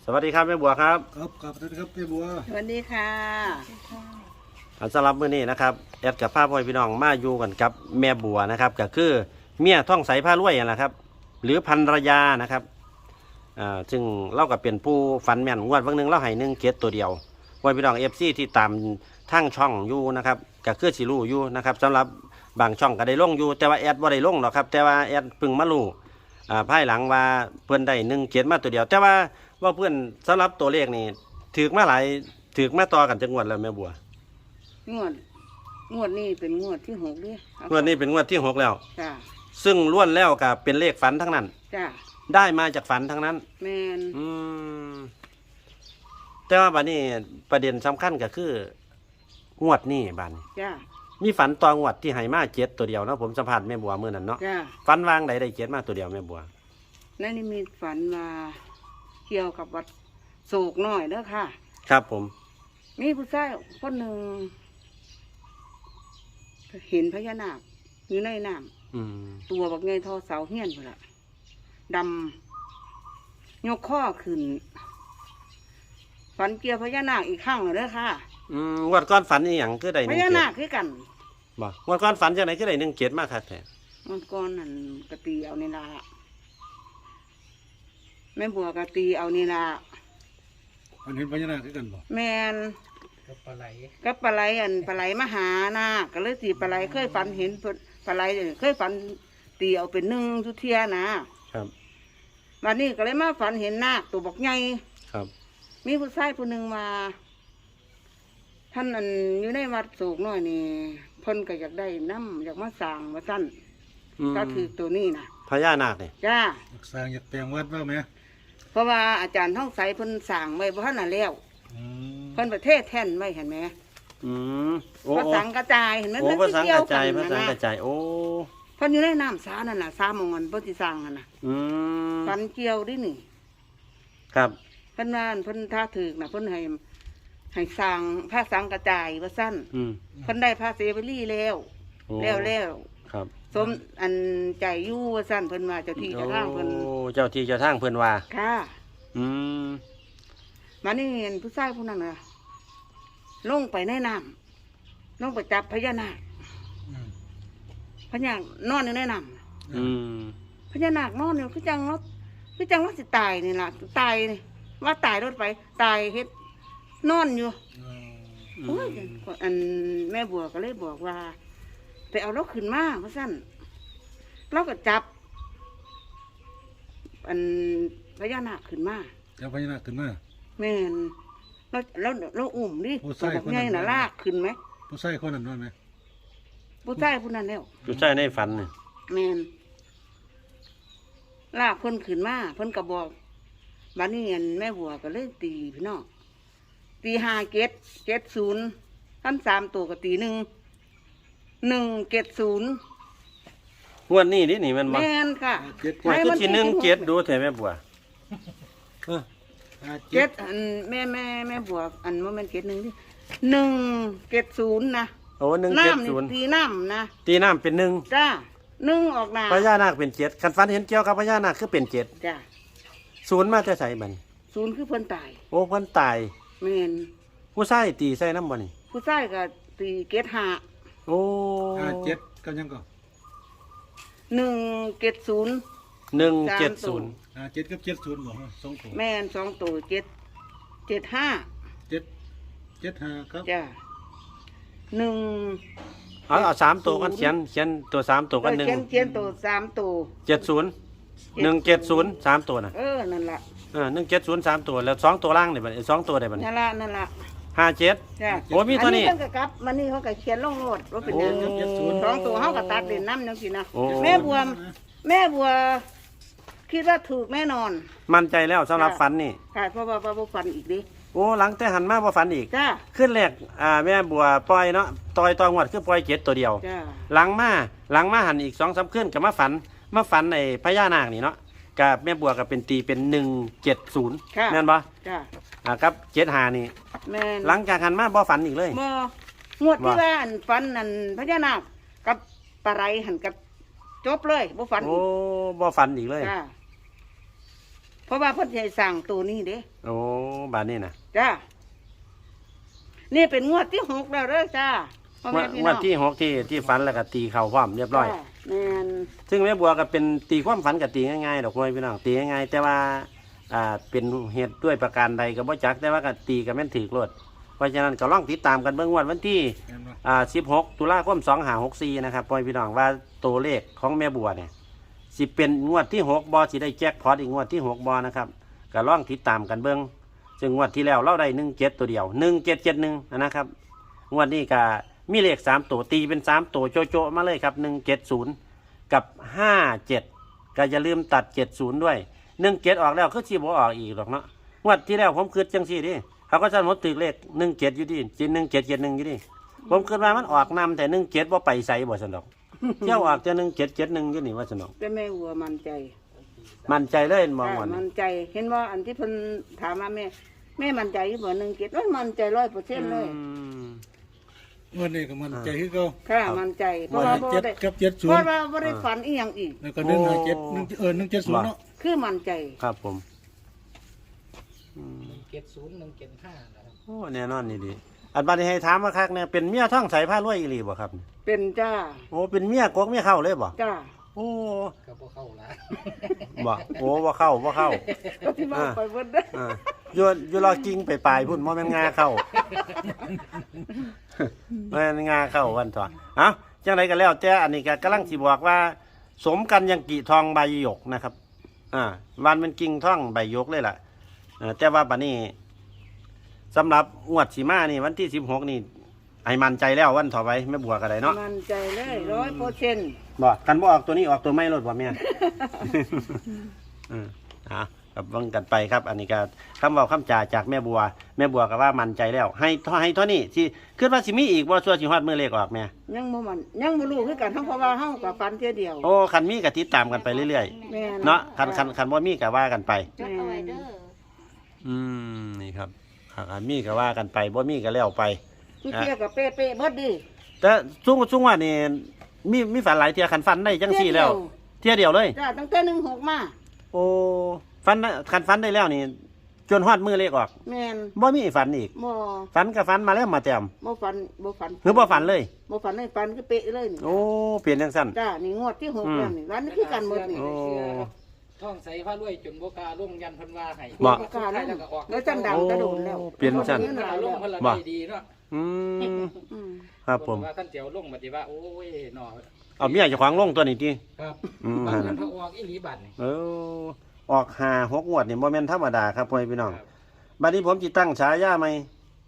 วัสดีครับแม่บัวครับครับสวัสดีครับแม่บัวสวัสดีค่ะสำหรับมื้อนี้นะครับแอดกับพ่อพ่อพี่น้องมาอยู่กันกับแม่บัวนะครับก็คือเมียท่องใสผ้ารวยนั่นแหละครับหรือภรรยานะครับซึ่งเล่ากับเป็นผู้ฝันแม่นงวดวันหนึ่งเล่าให้1 7ตัวเดียวพ่อพี่น้องFCที่ตามทางช่องอยู่นะครับก็คือสิรู้อยู่นะครับสำหรับบางช่องก็ได้ลงอยู่แต่ว่าแอดบ่ได้ลงหรอกครับแต่ว่าแอดเพิ่งมารู้ภายหลังว่าเพื่อนได้1 7มาตัวเดียวแต่ว่าเพื่อนสำหรับตัวเลขนี่ถือมาหลายถือมาต่อกันจังหวัดแล้วแม่บัวงวดนี้เป็นงวดที่6ดิงวดนี้เป็นงวดที่6แล้วจ้าซึ่งล้วนแล้วกับเป็นเลขฝันทั้งนั้นจ้าได้มาจากฝันทั้งนั้นแมนแต่ว่าบัดนี้ประเด็นสำคัญก็คืองวดนี้บัดนี้จ้ามีฝันตองวดที่ให้มา7ตัวเดียวเนาะผมสัมภาษณ์แม่บัวมื้อนั้นเนาะจ้าฝันวางใดได้7มาตัวเดียวแม่บัวนั่นนี่มีฝันมาเกี่ยวกับวัดโศกน้อยเด้อค่ะครับผมมีผู้ชายคนหนึ่งเห็นพญานาคอยู่ในน้ำตัวบักไงทอเสาเฮี้ยนพุ่นล่ะดำยกข้อขึ้นฝันเกี่ยวพญานาคอีกครั้งเลยเด้อค่ะงวดก้อนฝันอีหยังคือได้พญานาคคือกันบ่งวดก้อนฝันจังได๋คือได้1 7มาคักแท้งวดก้อนนั่นกะตีเอานี่ล่ะแม่บัวกะตีเอานี่ล่ะอันเห็นพญานาคคือกันบ่แมนกับปลาไหลปลาไหลมหานาคก็เลยตีปลาไหลเคยฝันเห็นปลาไหลเคยฝันตีเอาเป็น1ทุเทียนะครับวันนี้ก็เลยมาฝันเห็นนาคตัวบักใหญ่ครับมีผู้ชายผู้หนึ่งมาท่านอันอยู่ในวัดโศกน้อยนี่เพิ่นก็อยากได้น้ำอยากมาสร้างมาสั้นก็คือตัวนี้นะพญานาคนี่จ้าอยากสร้างอยากแปลงวัดว่าไหมเพราะว่าอาจารย์ท่องใสเพิ่นสร้างไว้บ่ทันน่ะแล้วเพิ่นประเทศแท่นไว้เห็นไหมภาษากระจายเห็นไหมโอ้ภาษากระจายภาษากระจายโอ้เพิ่นอยู่ในน้ำสานั่นน่ะสามงเพิ่นสิสร้างนั่นน่ะฟันเกี่ยวดินี่ครับเพิ่นว่าเพิ่นท่าถึกน่ะเพิ่นให้สร้างภาษากระจายว่าสั้นเพิ่นได้ภาษีไปรี่แล้วครับสมอันใจยู่ว่าสั้นเพิ่นว่าเจ้าที่เจ้าทางเพิ่นโอ้เจ้าที่เจ้าทางเพิ่นว่าค่ะมานี่เห็นผู้ชายผู้นั้นน่ะลงไปในน้ำลงไปจับพญานาคพญานอนอยู่ในน้ำพญานาคนอนอยู่คือจังว่าสิตายนี่ล่ะตายนี่ว่าตายรถไปตายเฮ็ดนอนอยู่โอ้ยอันแม่บัวก็เลยบอกว่าไปเอาเราขึ้นมาเพราะสั้นเราก็จับอันพญานาคขึ้นมาจับพญานาคขึ้นมาแม่นเราอุ้มดิตัวบอกไงน่ะลากขึ้นไหมผู้ชายคนนั้นนอนไหมผู้ชายผู้นั้นแล้วผู้ชายในฝันนี่แม่นลากเพิ่นขึ้นมาเพิ่นก็บอกบัดนี้แม่บัวก็เลยตีพี่น้องตี5770ท่าน3ตัวก็ตี1 170 งวดนี้นี่มันแม่นค่ะงวดที่17ดูแท้แม่บัว 7อันแม่บัวอันโมเมนต์71ดิ170นะโอ้170 ตีน้ำนะตีน้ำเป็น1 จ้า1ออกมาพญานาคเป็น7คันฝันเห็นเกี่ยวกับพญานาคคือเป็น7 จ้า 0มาแต่ไสบัดนี้ 0คือเพิ่นตายโอ้เพิ่นตายแม่นผู้ชายตีใส่น้ำบ่นี่ผู้ชายก็ตีเกต5 โอ้ 7ก็ยังก็ 170 170 7กับ70บ่2ตัวแม่น2ตัว75 775ครับจ้าเอา3ตัวกันเขียนตัว3ตัวกัน1 เขียนตัว3ตัว 70 170 3ตัวน่ะนั่นล่ะ 170 3ตัวแล้ว2ตัวล่างนี่บัด2ตัวได้บัดนี้นั่นล่ะ 57 จ้าโอ้มีตัวนี้อันนี้เพิ่นก็กลับมันนี่เขาก็เขียนลงโลดว่าเป็น2ตัวเฮาก็ตัดเล่นน้ำจังซี่นะแม่บัวคิดว่าถูกแน่นอนมั่นใจแล้วสำหรับฝันนี่ค่ะเพราะว่าบ่ฝันอีกดิโอ้หลังแต่หันมาบ่ฝันอีกจ้าขึ้นแรกแม่บัวปล่อยเนาะตองวดคือปล่อย7ตัวเดียวจ้าหลังมาหันอีก 2-3 คืนก็มาฝันไอ้พญานาคนี่เนาะกับแม่บัวก็เป็นตีเป็น170แม่นบ่จ้าครับ75นี่แม่นหลังจากหันมาบ่ฝันอีกเลยบ่งวดที่ว่าฝันนั่นพญานาคกับปลาไหลหันกับจบเลยบ่ฝันโอ้บ่ฝันอีกเลยจ้าเพราะว่าเพิ่นสิให้สร้างตัวนี้เด้โอ้บาดนี้นะจ้านี่เป็นงวดที่6แล้วเด้อจ้าพ่อแม่พี่งน้วอดงที่6ที่ฝันแล้วก็ตีเข่าพร้อมเรียบร้อยจ้าแม่นซึ่งแม่บัวก็เป็นตีความฝันกับตีง่ายๆดอกพ่อพี่น้องตีง่ายๆแต่ว่าเป็นเหตุด้วยประการใดก็บ่จักแต่ว่าก็ตีก็แม่นถือโลดเพราะฉะนั้นก็ลองติดตามกันเบิ่งวันที่แม่นบ่ 16 ตุลาคม 2564นะครับพ่อพี่น้องว่าตัวเลขของแม่บัวเนี่ยสิเป็นงวดที่6บ่สิได้แจ็คพอตอีกงวดที่6บ่นะครับก็ลองติดตามกันเบิ่งซึ่งงวดที่แล้วเราได้17ตัวเดียว1771นะครับงวดนี้ก็มีเลข3ตัวตีเป็น3ตัวโจๆมาเลยครับ170กับ57ก็อย่าลืมตัด70ด้วย17ออกแล้วคือสิบ่ออกอีกหรอกเนาะงวดที่แล้วผมคิดจังซี่ดิเขาก็จะหมดตึกเลข17อยู่ดิ1771อยู่ดิผมคิดว่ามันออกนำแต่17บ่ไปไสบ่ซั่นดอก เที่ยวออกแต่1771อยู่นี่ว่าซั่นดอกแต่แม่หัวมั่นใจมั่นใจเลยมองจ้าว่ามั่นใจเห็นว่าอันที่เพิ่นถามมาแม่มั่นใจอยู่บ่17มันมั่นใจ100%เลยวันนี้ก็มันใจคือเก่าค่ะมั่นใจเพราะว่าบ่เจ็ดได้กับเพราะว่าบ่ได้ฝันอีหยังอีกแล้วก็157เนาะคือมั่นใจครับผม 170 175นะครับโอ้แน่นอนนี่ดิอันบัดนี้ให้ถามว่าคักเนี่ยเป็นเมียท่องใสผ้ารวยอีหลีบ่ครับเป็นจ้าโอ้เป็นเมียกกเมียเข้าเลยบ่จ้าโอ้ก็บ่เข้าละบ่โอ้บ่เข้าก็ที่มาไปเบิดเด้ออ่าอยู่รอกิ้งไปปลายพุ่นบ่แม่นงาเข้า แม่นงาเข้าวันต่อเอ้าจังไดก็แล้วแต่อันนี้ก็กำลังสิบอกว่า สมกันยังกี่ทองใบหยกนะครับวันเป็นกิ่งท่องใบหยกเลยล่ะแต่ว่าบัดนี้สำหรับงวดสีมานี่วันที่16นี่ให้มั่นใจแล้ววันต่อไปแม่บัวก็ได้เนาะมั่นใจเลย100% บ่กันบ่ออกตัวนี้ออกตัวไม่รถบ่แม่ ครับเบิ่งกันไปครับ อันนี้ก็คำเว้าคำจาจากแม่บัวก็ว่ามั่นใจแล้ว ให้เท่านี้สิคิดว่าสิมีอีกบ่ชั่วสิฮอดมื้อเลขออกแม่ยังบ่รู้คือกันทั้งเพราะว่าเฮาก็ฝันเที่ยเดียวโอ้คันมีก็ติดตามกันไปเรื่อยแม่นๆเนาะคันบ่มีก็ว่ากันไปจดเอาไว้เด้อนี่ครับคันมีก็ว่ากันไปบ่มีก็แล้วไปคือเที่ยก็เป๊ะๆเบิดดิแต่ซุ่งว่านี่มีฝันหลายเที่ยคันฟันได้จังซี่แล้ว เที่ยเดียวเลยจ้าตั้งแต่16มาโอ้คันฟันได้แล้วนี่จนฮอดมื้อเลขออกแม่นบ่มีฝันอีกบ่ฝันก็ฝันมาแล้วมาแต้มบ่ฝันหรือบ่ฝันเลยบ่ฝันเลยฝันคือเป๊ะเลยนี่โอ้เปลี่ยนจังซั่นจ้านี่งวดที่6แล้วนี่วันนี้คือกันหมดนี่โอ้ท่องใส่ผ้ารวยจนบ่กล้าลงยันเพิ่นว่าให้บ่บ่กล้าแล้วลงก็ออกแล้วจันดังกระโดดแล้วโอ้เปลี่ยนซั่นเงินหลายลแล้งวเพิ่นละบ่ได้ดีเนาะอืมอืมครับผมเพิ่นว่าท่านเจียวลงบัดนี้ว่าโอ้ยหนอเอาเมียเจ้าของลงตัวนี้ติครับอืมบางนั้นพระออกอีหลีบัดนี่ออก5-6งวดนี่บ่แม่นธรรมดาครับพ่อพี่น้องครับบัดนี้ผมสิตั้งฉายาใหม่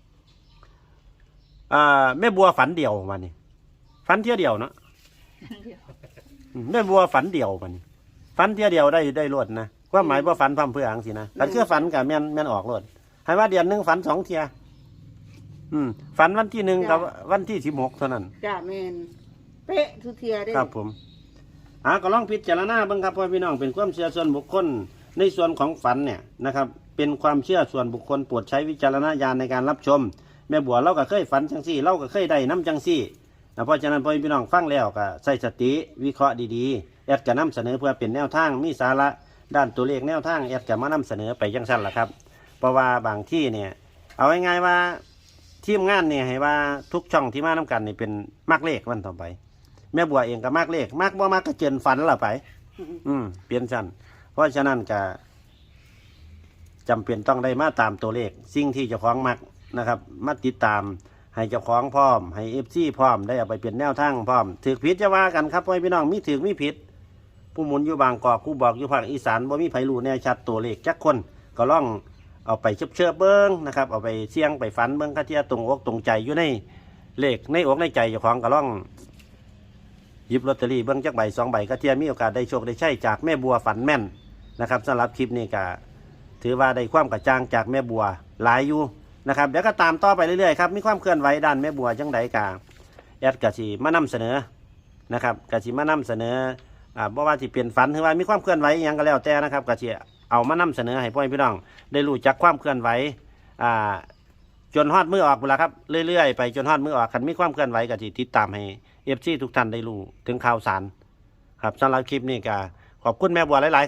แม่บัวฝันเดี่ยวมานี่ฝันเที่ยวเดียวเนาะแม่บัวฝันเดี่ยวมานี่ฝันเที่ยวเดียวได้รวดนะความหมายว่าฝันพร่ำเพรื่ออังสินะแต่คือฝันกับแม่นออกรวดให้ว่าเดือนหนึงฝัน2เที่ยฝันวันที่1กับวันที่16เท่านั้นจ้าแม่นเป๊ะทุกเที่ยเด้ครับผมก็ลองพิจารณาเบิ่งครับพ่อพี่น้องเป็นความเชื่อส่วนบุคคลในส่วนของฝันเนี่ยนะครับ เป็นความเชื่อส่วนบุคคลโปรดใช้วิจารณญาณในการรับชม แม่บัวเราก็เคยฝันจังซี่เราก็เคยได้น้ำจังซี่เพราะฉะนั้นพ่อพี่น้องฟังแล้วก็ใส่สติวิเคราะห์ดีๆแอดจะนำเสนอเพื่อเป็นแนวทางมีสาระด้านตัวเลขแนวทางแอดจะมานำเสนอไปจังซั่นล่ะครับ เพราะว่าบางที่เนี่ยเอาง่ายๆว่าทีมงานเนี่ยให้ว่าทุกช่องที่มานํกันนี่เป็นมักเลขวันต่อไป แม่บัวเองก็มักเลขมักบ่มักก็เจินฝันละไป เปลี่ยนชั้นเพราะฉะนั้นก็จำเป็นต้องได้มาตามตัวเลขสิ่งที่เจ้าของมักนะครับมาติดตามให้เจ้าของพร้อมให้FCพร้อมได้เอาไปเปลี่ยนแนวทางพร้อมถือผิดจะว่ากันครับพ่อพี่น้องมีถือมีผิด ผู้หมุนอยู่บางกอกผู้บอกอยู่ภาคอีสานบ่มีไผรู้แน่ชัดตัวเลขจักคนก็ลองเอาไปเชื่อเบิ้งนะครับเอาไปเสี่ยงไปฝันเบิ้งค่าเทียตรงอกตรงใจอยู่ในเลขในอกในใจเจ้าของก็ลองหยิบลอตเตอรี่เบิ้งจักใบ2 ใบก็เทียมีโอกาสได้โชคได้ใช้จากแม่บัวฝันแม่นนะครับสำหรับคลิปนี้ก็ถือว่าได้ความกระจ่างจากแม่บัวหลายอยู่นะครับเดี๋ยวก็ตามต่อไปเรื่อยๆครับมีความเคลื่อนไหวด้านแม่บัวจังใดกาแอดกะสิมานำเสนอนะครับกะสิมานำเสนอบ่ว่าสิเปลี่ยนฝันหรือว่ามีความเคลื่อนไหวอหยังก็แล้วแต่นะครับกะสิเอามานำเสนอให้พ่อพี่น้องได้รู้จักความเคลื่อนไหวจนฮอดมือออกพุ่นล่ะครับเรื่อยๆไปจนฮอดมือออกคันมีความเคลื่อนไหวกะสิติดตามให้FCทุกท่านได้รู้ถึงข่าวสารครับสำหรับคลิปนี้ก็ขอบคุณแม่บัวหลายๆครับ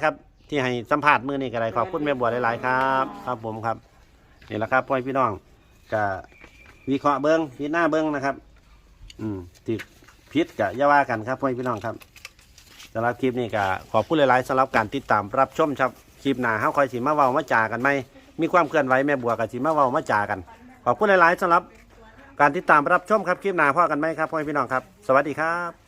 ที่ให้สัมภาษณ์มื้อนี้ก็ได้ขอบคุณแม่บัวหลายๆครับครับผมครับนี่แหละครับพ่อพี่น้องก็วิเคราะห์เบิ้งพิจารณาเบิ้งนะครับติดพิษกับอย่าว่ากันครับพ่อพี่น้องครับสำหรับคลิปนี้ก็ขอบคุณหลายๆสำหรับการติดตามรับชมครับคลิปหน้าเฮาคอยสิมาเว้ามาจากันไหมมีความเคลื่อนไหวแม่บัวกับสิมาเว้ามาจากันขอบคุณหลายๆสำหรับการติดตามรับชมครับคลิปหน้าพ่อกันไหมครับพ่อพี่น้องครับสวัสดีครับ